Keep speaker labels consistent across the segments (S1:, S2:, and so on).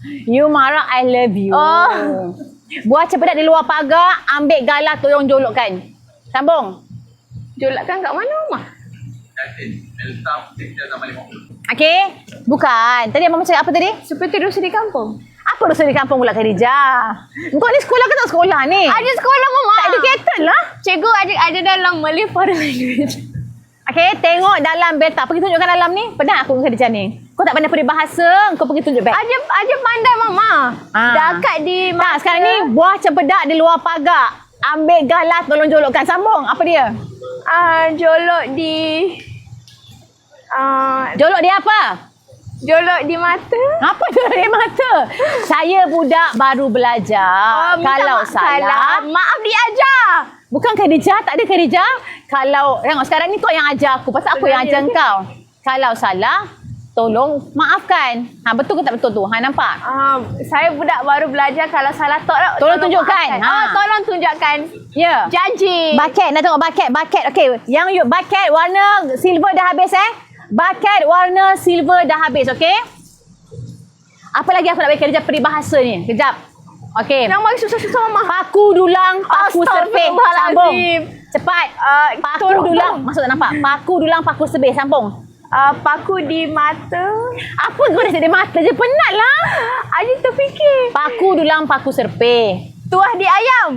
S1: You marah, I love you.
S2: Oh.
S1: Buah cempedak di luar pagar, ambil galah tolong jolokkan. Sambung.
S2: Jolakkan kat mana, Mama?
S1: Okey. Bukan. Tadi Abang cakap apa tadi?
S2: Supaya tidur di kampung.
S1: Apa dosa di kampung pula Khadijah? Engkau ni sekolah ke tak sekolah ni?
S2: Ada sekolah, Mama.
S1: Tak educated lah.
S2: Cikgu ada dalam Malay Foreign Language.
S1: Okey, tengok dalam beta. Pergi tunjukkan dalam ni. Penat aku dengan Khadijah ni. Kau tak pandai peribahasa, kau pergi tunjuk beg.
S2: Aja pandai, Mama. Dekat di
S1: Tak, sekarang ni buah cempedak di luar pagar. Ambil galah tolong jolokkan. Sambung. Apa dia?
S2: Jolok di
S1: Jolok dia apa?
S2: jolok di mata.
S1: Apa jolok di mata? Saya budak baru belajar. Kalau salah,
S2: maaf diajar.
S1: bukan Khadijah, tak ada Khadijah. Kalau tengok sekarang ni kau yang ajar aku. Pasal aku yang ajar kau. Kalau salah, tolong maafkan. Betul ke tak betul tu? Nampak?
S2: Saya budak baru belajar, kalau salah
S1: Tolong tunjukkan.
S2: Tolong tunjukkan.
S1: Ya.
S2: Janji.
S1: Bucket, nak tengok bucket. Okey, yang bucket warna silver dah habis Bucket warna silver dah habis, okey? Apa lagi aku nak bagi Khadijah peribahasa ni? Kejap. Okey.
S2: Nak bagi susah-susah, Mama.
S1: Paku dulang, paku serpih. Sambung. Cepat. Paku dulang. Maksud tak nampak? Paku dulang, paku serpih. Sambung.
S2: Paku di mata.
S1: Apa kau dah cakap mata je? Penat lah.
S2: Aji terfikir.
S1: Paku dulang, paku serpih.
S2: Tuah di ayam.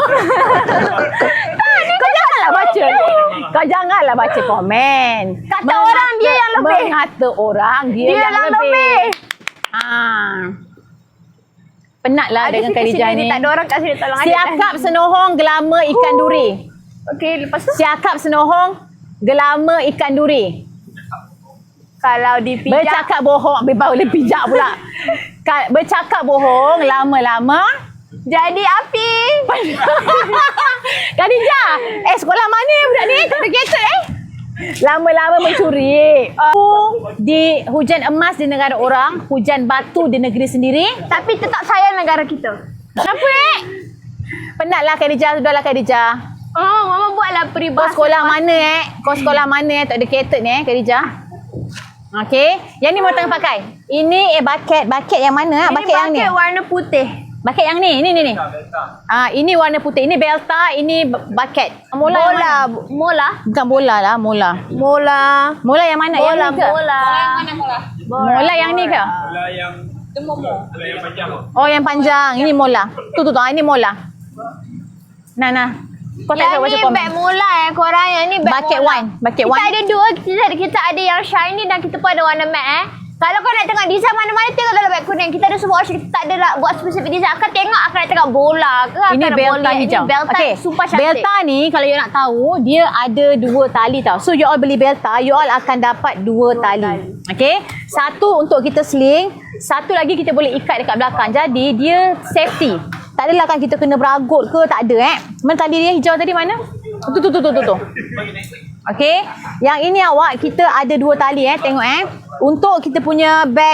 S1: Kau janganlah baca. Kau janganlah baca komen.
S2: Kata orang dia yang lebih.
S1: Mengata orang dia yang lebih. Penatlah dengan Khadijah ni.
S2: Tak ada orang kat sini tolong
S1: Siakap senohong gelama ikan duri.
S2: Okey, lepas tu
S1: Siakap senohong gelama ikan duri.
S2: kalau dipijak.
S1: Bercakap bohong. Bau dia pijak pula. Bercakap bohong lama-lama
S2: jadi api.
S1: Khadijah, sekolah mana budak ni? Tak educated Lama-lama mencuri. Di hujan emas di negara orang, hujan batu di negeri sendiri.
S2: Tapi tetap sayang negara kita.
S1: Kenapa Penatlah Khadijah, sudahlah Khadijah.
S2: Mama buatlah
S1: Kau
S2: peribahasa.
S1: sekolah mana Kau sekolah mana tak educated ni Khadijah? Okey, yang ni mau tengah pakai. Ini bucket yang mana?
S2: Ini
S1: Bucket yang ni.
S2: warna putih.
S1: Bucket yang ni. Ini warna putih. Ini belta, ini bucket.
S2: Mola.
S1: Bukan bola lah, mola. Mola yang mana? Yang ni ke? Mola yang ni ke?
S3: Bola yang bola yang panjang.
S1: Oh, yang panjang. Ini mola. Tu. Ini mola. Nah. Kau tak
S2: Yang
S1: baca
S2: ni
S1: komen.
S2: beg mola korang. Yang ni beg
S1: Bucket
S2: mola.
S1: wine. Bucket
S2: Kita
S1: wine.
S2: ada dua. Kita ada yang shiny dan kita pun ada warna matte Kalau kau nak tengok design mana-mana, tengok dalam beg kuning. Kita ada semua option. Kita tak ada lah buat spesifik design. Akan tengok, akan nak tengok bola ke?
S1: Ini
S2: akan
S1: belta hijau.
S2: Ini belta super cantik.
S1: Belta ni kalau you nak tahu, dia ada 2 tali tau. So you all beli belta, you all akan dapat 2 tali. Okey. Satu untuk kita sling, satu lagi kita boleh ikat dekat belakang. Jadi dia safety. Tak adalah kan kita kena beragut ke, tak ada Mana tali dia hijau tadi mana? Tu. Okey. Yang ini awak kita ada 2 tali tengok Untuk kita punya beg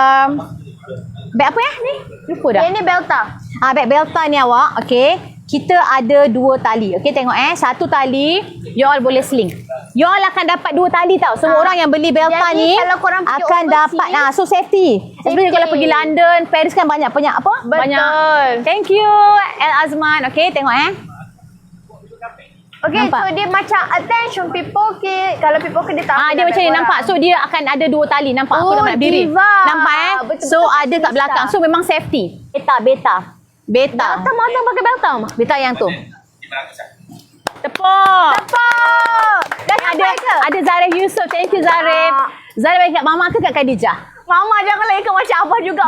S1: beg apa ni? Lupa dah.
S2: Yang ni belta.
S1: Beg belta ni awak, okey. Kita ada 2 tali. Okey, tengok satu tali you all boleh sling. You all akan dapat 2 tali tau. Semua orang yang beli belta
S2: Jadi,
S1: ni
S2: kalau korang pergi
S1: akan
S2: overseas,
S1: dapat so safety. Especially kalau pergi London, Paris kan banyak apa?
S2: Betul.
S1: Banyak. Thank you El Azman. Okey, tengok
S2: Okay,
S1: nampak?
S2: so dia macam attention pickpocket. Kalau pickpocket dia tak
S1: dia macam ni nampak. So dia akan ada 2 tali. Nampak aku dah nak berdiri.
S2: diva.
S1: Nampak
S2: Betul-betul
S1: So ada kat
S2: fashionista.
S1: belakang. So memang safety. Beta.
S2: Belta mana pakai belta, Mama?
S1: Beta yang tu. Tepuk.
S2: Dah sampai ke?
S1: Ada Zarif Yusof. Thank you Zarif. Zarif bagi kat Mama ke kat Khadijah?
S2: Mama jangan ikut macam Abah juga.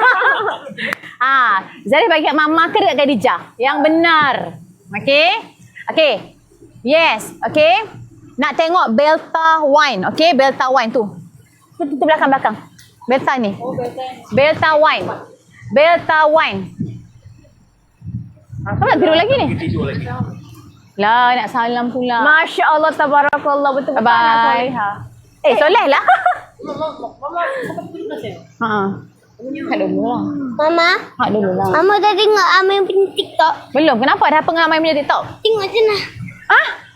S1: Zarif bagi kat Mama ke dekat Khadijah? Yang benar. Okey. Yes. Okey. Nak tengok Belta wine. Okey, Belta wine tu. Tu belakang. Belta ni. Belta wine. Kau nak tidur lagi ni? Lah, nak salam pula.
S2: Masya Allah, tabarakallah. Betul-betul
S1: Bye.
S2: anak solehah.
S1: Soleh lah. Hak dulu lah.
S4: Mama, Mama dah tengok Amai punya TikTok.
S1: Belum. Kenapa? Ada apa dengan Amai punya TikTok?
S4: Tengok je lah.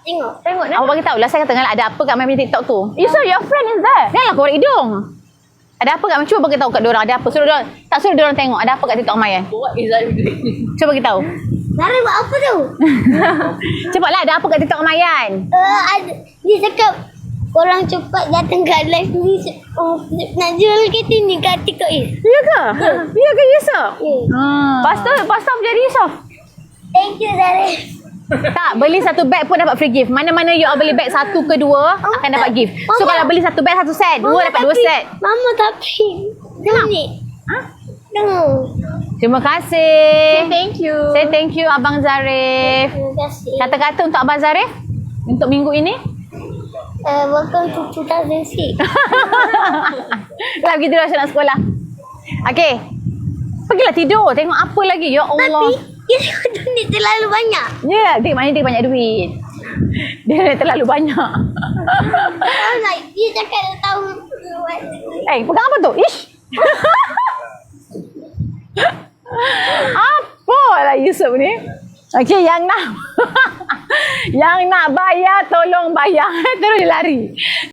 S4: Tengok.
S1: Awak bagi tahu lah. Saya kata lah ada apa kat Amai punya TikTok tu.
S2: So your friend is there?
S1: Janganlah korek hidung. Ada apa kat cuba bagi tahu kat diorang ada apa. Suruh diorang, tak suruh diorang tengok ada apa kat TikTok Amayan. Cuba bagi tahu.
S4: Zara buat apa tu?
S1: Cepatlah ada apa kat TikTok Amayan.
S4: Dia cakap korang cepat datang kat live ni. Nak jual kereta ni kat TikTok
S1: Ya ke? Ya ke Yusof?
S2: Lepas tu menjadi Yusof.
S4: Thank you Zara.
S1: Tak, beli satu bag pun dapat free gift. Mana-mana you all beli bag satu ke dua akan dapat gift. So
S4: Mama.
S1: kalau beli satu bag satu set, dua dapat dua set.
S4: Mama tapi. Ni.
S1: Ha?
S4: Tengok.
S1: Terima kasih.
S2: Thank you.
S1: Say thank you Abang Zarif.
S4: Terima kasih.
S1: Kata-kata untuk Abang Zarif untuk minggu ini.
S4: Welcome to 2006.
S1: Lagi tidur nak sekolah. Okey. Pergilah tidur. Tengok apa lagi. Ya Allah.
S4: Tapi dia ni terlalu banyak.
S1: Ya, dia maknanya dia banyak duit. Dia terlalu banyak.
S4: Dia cakap dia tahu.
S1: Pegang apa tu? Ish. Apalah Yusuf ni? Okey, yang nak yang nak bayar tolong bayar. Terus dia lari.